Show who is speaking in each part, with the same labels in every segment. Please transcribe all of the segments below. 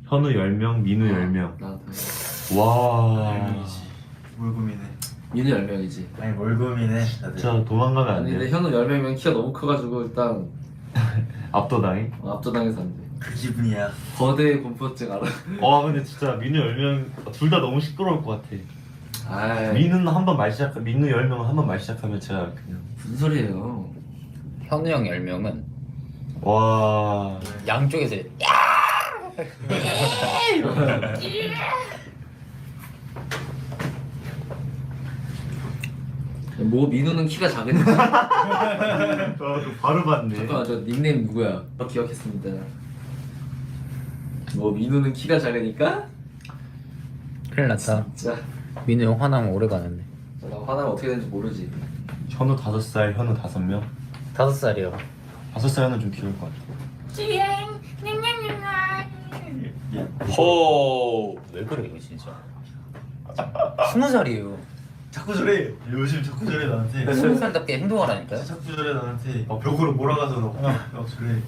Speaker 1: 현우 10명, 민우 10명.
Speaker 2: 나한테.
Speaker 1: 와.
Speaker 3: 뭘 고민해.
Speaker 2: 민우 10명이지.
Speaker 3: 아니 뭘 고민해. 다들.
Speaker 1: 진짜 도망가면 안
Speaker 2: 아니 근데
Speaker 1: 돼.
Speaker 2: 현우 10명이면 키가 너무 커가지고 일단
Speaker 1: 압도당해.
Speaker 2: 압도당해서 안 돼.
Speaker 3: 그 기분이야.
Speaker 2: 거대 공포증 알아?
Speaker 1: 와 근데 진짜 민우 10명 둘 다 너무 시끄러울 것 같아.
Speaker 2: 아이
Speaker 1: 민우는 한 번 말 시작, 민우 10명은 한 번 말 시작하면 제가 그냥
Speaker 2: 무슨 소리예요?
Speaker 4: 현우 형 10명은
Speaker 1: 와.
Speaker 4: 양쪽에서
Speaker 2: 뭐 민우는 키가 작으니까.
Speaker 1: 바로 봤네.
Speaker 2: 잠깐만 저 닉네임 누구야? 기억했습니다. 뭐 민우는 키가 작으니까?
Speaker 4: 큰일 났다.
Speaker 2: 진짜
Speaker 4: 민우 형 화나면 오래 가는데.
Speaker 2: 나 화나면 어떻게 되는지 모르지.
Speaker 1: 현우 5살, 현우 5명.
Speaker 4: 5살이요.
Speaker 1: 5살은 좀 귀여울 것 같아.
Speaker 4: 호. 왜 그래 이거 진짜. 20살이에요.
Speaker 3: 자꾸 저래. 요즘 자꾸 저래 나한테.
Speaker 4: 20살답게 행동하라니까요.
Speaker 3: 자꾸 저래 나한테. 벽으로 몰아가서 막 저래.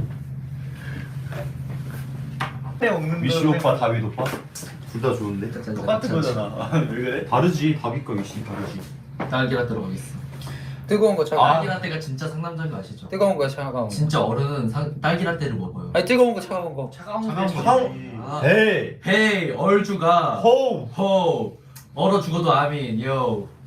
Speaker 3: 때 없는
Speaker 1: 위시 오빠, 다윗 오빠? 둘 다 좋은데?
Speaker 3: 똑같은 거잖아. 왜 그래?
Speaker 1: 다르지. 다윗과 위시 다르지.
Speaker 2: 딸기라떼로 가겠어.
Speaker 4: 뜨거운 거 차가운 거.
Speaker 2: 딸기라떼가 진짜 상남자인 거 아시죠?
Speaker 4: 뜨거운 거 차가운 거.
Speaker 2: 진짜 어른은 딸기라떼를 먹어요.
Speaker 4: 아니 뜨거운 거 차가운 거.
Speaker 3: 차가운
Speaker 1: 차가운
Speaker 3: 거.
Speaker 2: 아.
Speaker 1: 헤이!
Speaker 2: 헤이 얼주가
Speaker 1: 호우!
Speaker 2: 호 얼어 죽어도 아민 요